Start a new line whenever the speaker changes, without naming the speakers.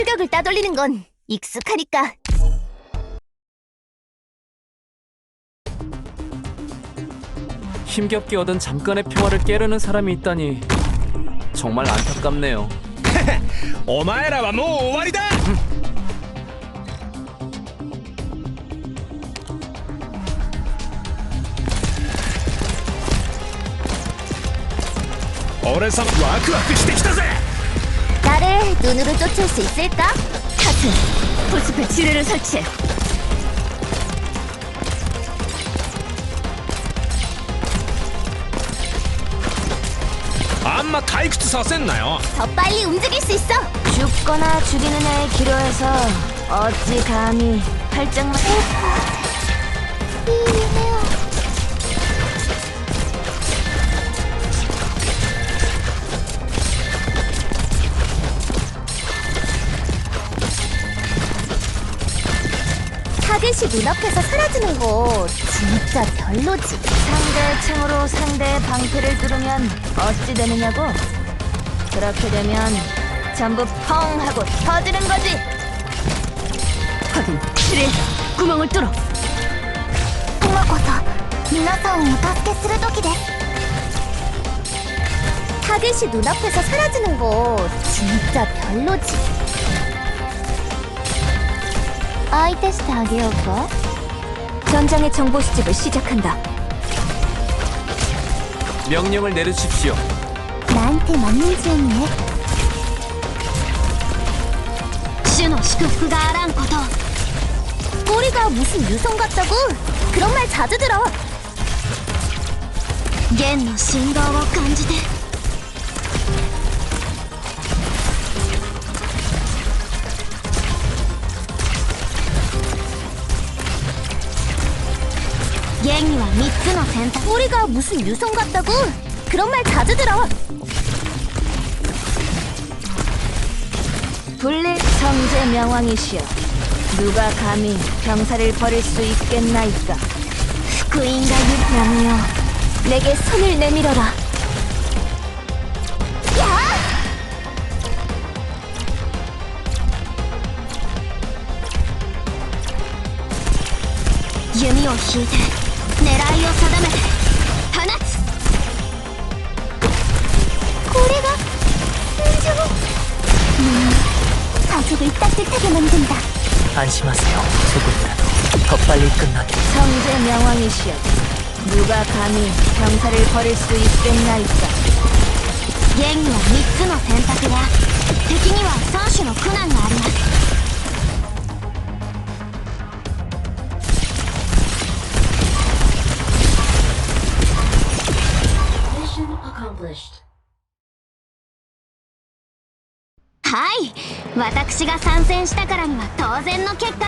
출격을 따돌리는 건 익숙하니까.
힘겹게 얻은 잠깐의 평화를 깨려는 사람이 있다니 정말 안타깝네요.
お前らはもう終わりだ。俺様ワクワクしてきたぜ。
나를 눈으로 쫓을 수 있을까? 하트, 포스페 지뢰를 설치해.
あんま退屈させんなよ。
더 빨리 움직일 수 있어.
죽거나 죽이는 애에 기로해서 어찌 감히 팔짱만.
타겟이 눈앞에서 사라지는 거 진짜 별로지.
상대의 창으로 상대의 방패를 뚫으면 어찌 되느냐고? 그렇게 되면 전부 펑 하고 터지는 거지.
확인. 지뢰 구멍을 뚫어. 今こそ皆さんをお助けする時です. 타겟이 눈앞에서 사라지는 거 진짜 별로지. 相手してあげようか?
전장의 정보 수집을 시작한다.
명령을 내려주십시오.
나한테 맞는 지원이네. 主の祝福があらんこと. 꼬리가 무슨 유성 같다고? 그런 말 자주 들어. 弦の振動を感じて. 갱이와 3つの選択. 꼬리가 무슨 유성 같다고? 그런 말 자주 들어.
불릴 성제 명왕이시여, 누가 감히 병사를 버릴 수 있겠나이까?
후인가 유명이여, 내게 손을 내밀어라. 야!弓を引いて狙いを定めて放つ. 고래가 인증을 가족을 따뜻하게 만든다.
안심하세요. 조금이라도 더 빨리 끝나게.
성제 명왕이시여, 누가 감히 병사를 버릴 수 있겠나이까?
弦には3つの選択で敵には3種の苦難があります.
Mission accomplished.
はい、私が参戦したからには当然の結果